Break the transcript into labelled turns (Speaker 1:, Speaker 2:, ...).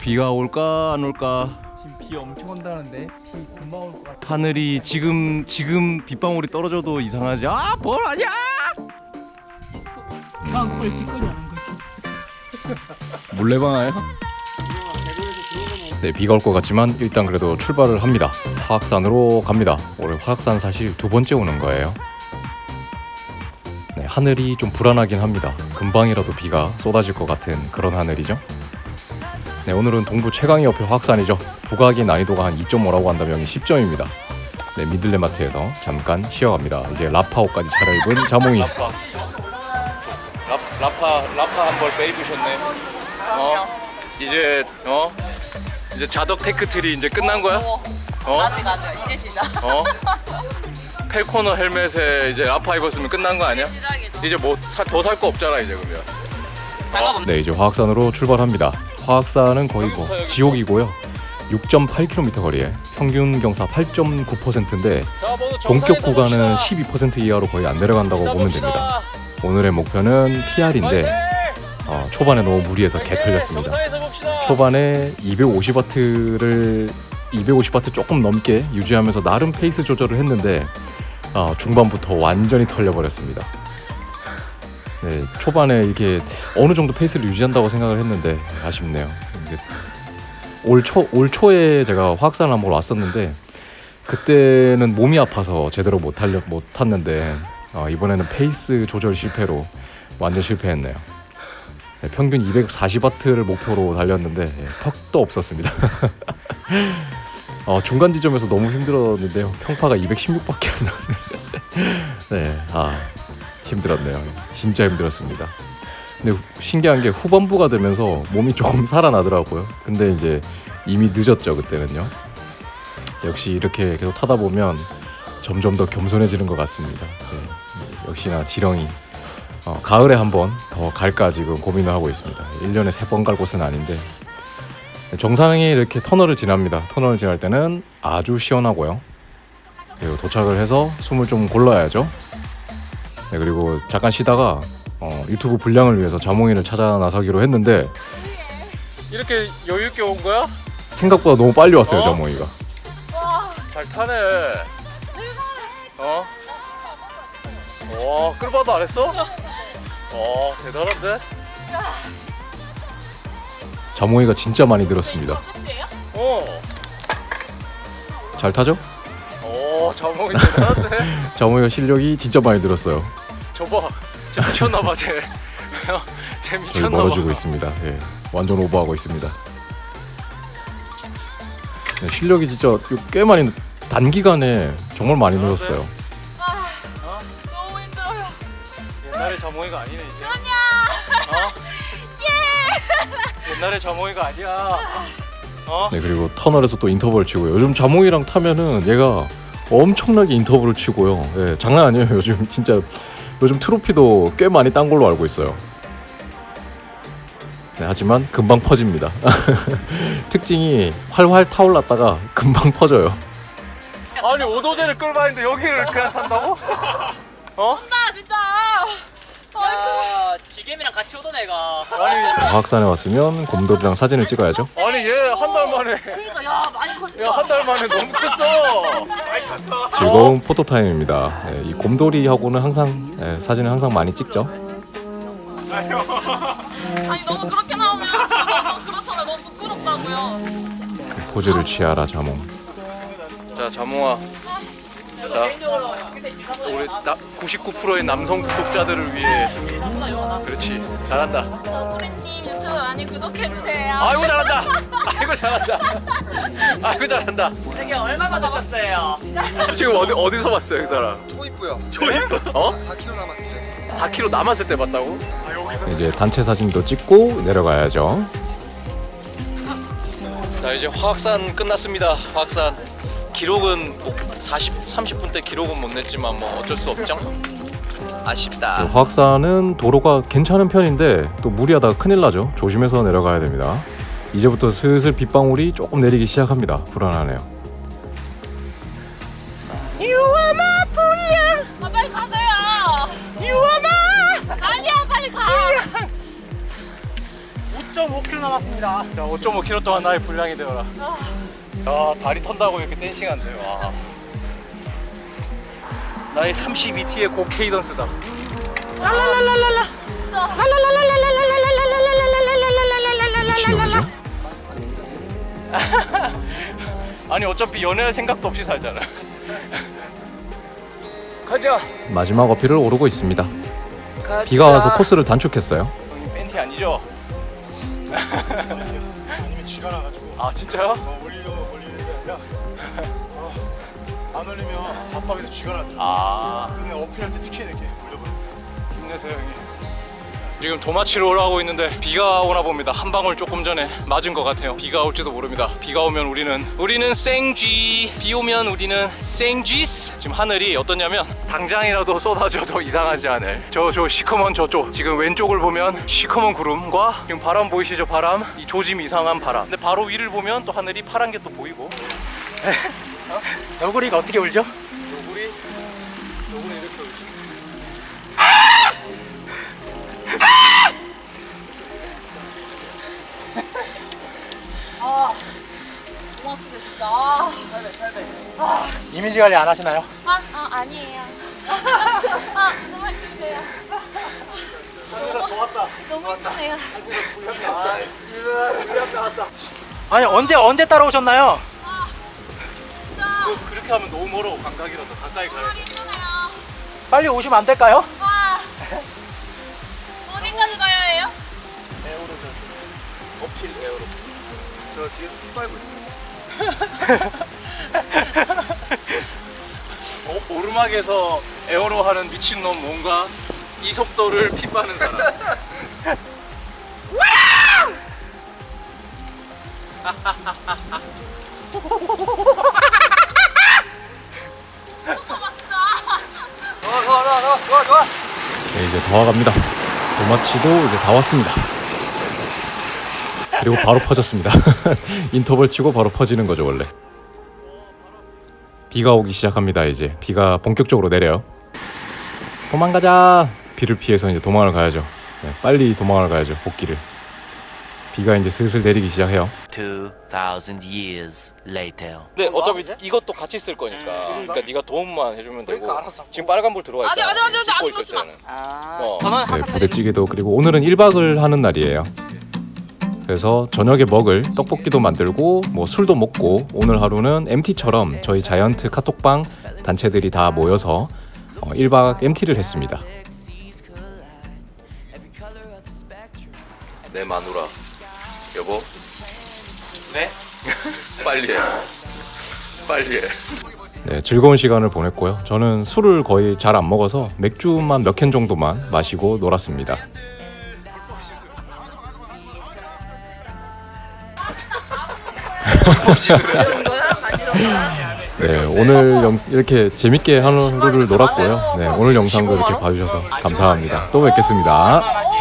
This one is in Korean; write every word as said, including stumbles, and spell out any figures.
Speaker 1: 비가 올까 안 올까?
Speaker 2: 지금 비 엄청 온다는데 비 금방 올 것 같아.
Speaker 1: 하늘이 지금 지금 빗방울이 떨어져도 이상하지. 아, 뭘 아니야?
Speaker 2: 그냥 뻘 찌꺼기 하는 거지.
Speaker 1: 물레방아요? 네, 비가 올 것 같지만 일단 그래도 출발을 합니다. 화학산으로 갑니다. 올해 화학산 사실 두 번째 오는 거예요. 네, 하늘이 좀 불안하긴 합니다. 금방이라도 비가 쏟아질 것 같은 그런 하늘이죠. 네, 오늘은 동부 최강의 옆에 화학산이죠. 부가기 난이도가 한 이 점 오라고 한다면 십 점입니다. 네, 미들레마트에서 잠깐 쉬어갑니다. 이제 라파옷까지 차려입은 자몽이. 라파, 라, 라파, 라파 한 벌 빼입으셨네. 어, 이제 어, 이제 자덕 테크트리 이제 끝난 거야? 어?
Speaker 3: 아직 아직 이제 시작.
Speaker 1: 어? 펠코너 헬멧에 이제 라파 입었으면 끝난 거 아니야?
Speaker 3: 시작이죠.
Speaker 1: 이제 뭐 더 살 거 없잖아 이제 그러면.
Speaker 3: 잠깐만.
Speaker 1: 네, 이제 화학산으로 출발합니다. 화학산은 거의 뭐 지옥이고요. 육 점 팔 킬로미터 거리에 평균 경사 팔 점 구 퍼센트인데 본격 구간은 십이 퍼센트 이하로 거의 안 내려간다고 보면 됩니다. 오늘의 목표는 피알인데 어, 초반에 너무 무리해서 개 털렸습니다. 초반에 이백오십 와트를 이백오십 와트 조금 넘게 유지하면서 나름 페이스 조절을 했는데 어, 중반부터 완전히 털려버렸습니다. 네, 초반에 이게 어느 정도 페이스를 유지한다고 생각을 했는데 아쉽네요. 이게 올 초, 올 초에 제가 화학산을 한번 왔었는데 그때는 몸이 아파서 제대로 못 달려 못 탔는데 어, 이번에는 페이스 조절 실패로 완전 실패했네요. 네, 평균 이백사십 와트를 목표로 달렸는데 예, 턱도 없었습니다. 어, 중간 지점에서 너무 힘들었는데요. 평파가 이백십육밖에 안 나왔는데 네, 아 힘들었네요. 진짜 힘들었습니다. 근데 신기한 게 후반부가 되면서 몸이 조금 살아나더라고요. 근데 이제 이미 늦었죠 그때는요. 역시 이렇게 계속 타다 보면 점점 더 겸손해지는 것 같습니다. 네, 역시나 지렁이 어, 가을에 한번 더 갈까 지금 고민을 하고 있습니다. 일 년에 세 번 갈 곳은 아닌데 정상에 이렇게 터널을 지납니다. 터널을 지날 때는 아주 시원하고요. 그리고 도착을 해서 숨을 좀 골라야죠. 네, 그리고 잠깐 쉬다가 어, 유튜브 분량을 위해서 자몽이를 찾아 나서기로 했는데 이렇게 여유 있게 온 거야? 생각보다 너무 빨리 왔어요. 어? 자몽이가.
Speaker 3: 와,
Speaker 1: 잘 타네. 어? 와, 끌바도 안 했어? 와, 대단한데? 자몽이가 진짜 많이 늘었습니다.
Speaker 3: 끝이에요?
Speaker 1: 어. 잘 타죠? 오, 자몽이 대단한데? 자몽이가 실력이 진짜 많이 늘었어요. 저봐, 쟤 미쳤나봐 쟤. 쟤 미쳤나봐. 저희 멀어지고 있습니다. 예, 완전 오버하고 있습니다. 네, 실력이 진짜 꽤 많이 단기간에 정말 많이 늘었어요.
Speaker 3: 아, 너무 힘들어요.
Speaker 1: 옛날의 자몽이가 아니네 이제.
Speaker 3: 아니야.
Speaker 1: 어? 예. 옛날의 자몽이가 아니야. 어? 네, 그리고 터널에서 또 인터벌 치고요. 요즘 자몽이랑 타면은 얘가 엄청나게 인터벌을 치고요. 예, 장난 아니에요. 요즘 진짜 요즘 트로피도 꽤 많이 딴 걸로 알고 있어요. 네, 하지만 금방 퍼집니다. 특징이 활활 타올랐다가 금방 퍼져요. 아니 오도제를 끌고 있는데 여기를 그냥 탄다고? 어?
Speaker 3: 나 진짜.
Speaker 4: 야, 지겜이랑 같이 오던 애가.
Speaker 1: 아니 화학산에 왔으면 곰돌이랑 사진을 찍어야죠.
Speaker 5: 아니 얘 한 달 만에
Speaker 3: 그러니까 야 많이 컸다.
Speaker 5: 야 한 달 만에 너무 컸어. 많이 컸어.
Speaker 1: 즐거운 포토 타임입니다. 네, 이 곰돌이하고는 항상 네, 사진을 항상 많이 찍죠.
Speaker 3: 아니 너무 그렇게 나오면 저 너무 그렇잖아. 너무 부끄럽다고요.
Speaker 1: 포즈를 취하라 자몽. 자 자몽아. 자 우리 나, 구십구 퍼센트의 남성 구독자들을 위해. 그렇지 잘한다.
Speaker 3: 소리님 유튜브 많이 구독해주세요.
Speaker 1: 아이고 잘한다. 아이고 잘한다. 아이고 잘한다.
Speaker 4: 되게 얼마나 남았어요?
Speaker 1: 지금 어디 어디서 봤어요 그 사람?
Speaker 6: 초입부요.
Speaker 1: 초입? 어?
Speaker 6: 사 킬로미터 남았을 때.
Speaker 1: 사 킬로미터 남았을 때 봤다고? 이제 단체 사진도 찍고 내려가야죠. 자 이제 화학산 끝났습니다. 화학산 기록은 뭐 사십, 삼십 분대 기록은 못 냈지만 뭐 어쩔 수 없죠. 아쉽다. 화학산은 도로가 괜찮은 편인데 또 무리하다가 큰일 나죠. 조심해서 내려가야 됩니다. 이제부터 슬슬 빗방울이 조금 내리기 시작합니다. 불안하네요.
Speaker 3: 아, 빨리 가세요. 유아마. 아니야 빨리 가.
Speaker 5: 오 점
Speaker 4: 오 킬로미터 남았습니다.
Speaker 5: 자, 오 점 오 킬로미터 동안 나의 분량이 되어라. 야, 다리 턴다고 이렇게 댄싱한대. 와. 나의 삼십이 티의 고 케이던스다. 랄랄랄랄랄라.
Speaker 3: 진짜.
Speaker 1: 미친놈이죠?
Speaker 5: 아니 어차피 연애할 생각도 없이 살잖아. 가자.
Speaker 1: 마지막 어필을 오르고 있습니다.
Speaker 5: 가자.
Speaker 1: 비가 와서 코스를 단축했어요.
Speaker 5: 형님 팬티 아니죠?
Speaker 6: 아니면 쥐가 나가지고
Speaker 5: 아 진짜요?
Speaker 6: 어, 올리려고 올리는 게 아니라 어, 안 올리면 밥박에서 쥐가 나더라고.
Speaker 5: 아
Speaker 6: 근데 어필할 때 특히 이렇게 올려버려.
Speaker 5: 힘내세요 형님. 지금 도마치로 올라가고 있는데 비가 오나 봅니다. 한 방울 조금 전에 맞은 것 같아요. 비가 올지도 모릅니다. 비가 오면 우리는 우리는 생쥐. 비 오면 우리는 생쥐스. 지금 하늘이 어떠냐면 당장이라도 쏟아져도 이상하지 않을 저 저 시커먼 저쪽 지금 왼쪽을 보면 시커먼 구름과 지금 바람 보이시죠? 바람 이 조짐 이상한 바람. 근데 바로 위를 보면 또 하늘이 파란 게 또 보이고.
Speaker 4: 너구리가 어떻게 울죠?
Speaker 5: 요구리 요구리 이렇게 울지.
Speaker 3: 아, 고맙습니다 진짜. 아, 아,
Speaker 4: 이미지 관리 안 하시나요?
Speaker 3: 아, 아 아니에요. 아, 무슨 말씀이세요? 너무 좋았다. 너무 힘드네요.
Speaker 4: 아니 언제 언제 따라오셨나요?
Speaker 3: 아, 진짜
Speaker 5: 그- 그렇게 하면 너무 멀어. 감각이라서 가까이 가야
Speaker 3: 정말
Speaker 5: 돼.
Speaker 3: 힘드네요.
Speaker 4: 빨리 오시면 안 될까요?
Speaker 3: 아, 어딘가지 가야 해요?
Speaker 5: 어필 에어로.
Speaker 6: 저 뒤에 피 빨고 있어요.
Speaker 5: 어, 오르막에서 에어로 하는 미친놈 뭔가 이 속도를 핏바는 사람.
Speaker 3: 잠깐만 진짜.
Speaker 6: 좋아 좋아 좋아 좋아 좋아 좋아.
Speaker 1: 네, 이제 다 와갑니다. 도마치도 이제 다 왔습니다. 그리고 바로 퍼졌습니다. 인터벌 치고 바로 퍼지는 거죠 원래. 비가 오기 시작합니다. 이제 비가 본격적으로 내려요. 도망가자. 비를 피해서 이제 도망을 가야죠. 네, 빨리 도망을 가야죠. 복귀를. 비가 이제 슬슬 내리기 시작해요.
Speaker 7: Two thousand years later.
Speaker 5: 근데 어차피 이것도 같이 쓸 거니까. 그러니까 네가 도움만 해주면 되고.
Speaker 6: 그러니까 알았어.
Speaker 5: 지금 빨간불 들어와 있잖아.
Speaker 3: 아직, 아직, 아직,
Speaker 5: 씻고
Speaker 3: 아직
Speaker 5: 있을
Speaker 3: 놓지 마.
Speaker 5: 때는.
Speaker 4: 아
Speaker 5: 어.
Speaker 4: 저는
Speaker 1: 네,
Speaker 4: 항상
Speaker 1: 부대찌개도 그리고 오늘은 일 박을 하는 날이에요. 그래서 저녁에 먹을 떡볶이도 만들고 뭐 술도 먹고 오늘 하루는 엠티처럼 저희 자이언트 카톡방 단체들이 다 모여서 어, 일 박 엠티를 했습니다.
Speaker 5: 내 마누라. 여보. 네? 빨리 해. 빨리 해.
Speaker 1: 네, 즐거운 시간을 보냈고요. 저는 술을 거의 잘 안 먹어서 맥주만 몇 캔 정도만 마시고 놀았습니다. 네, 오늘 영, 이렇게 재밌게 하루를 놀았고요. 네, 오늘 영상도 이렇게 봐주셔서 감사합니다. 또 뵙겠습니다.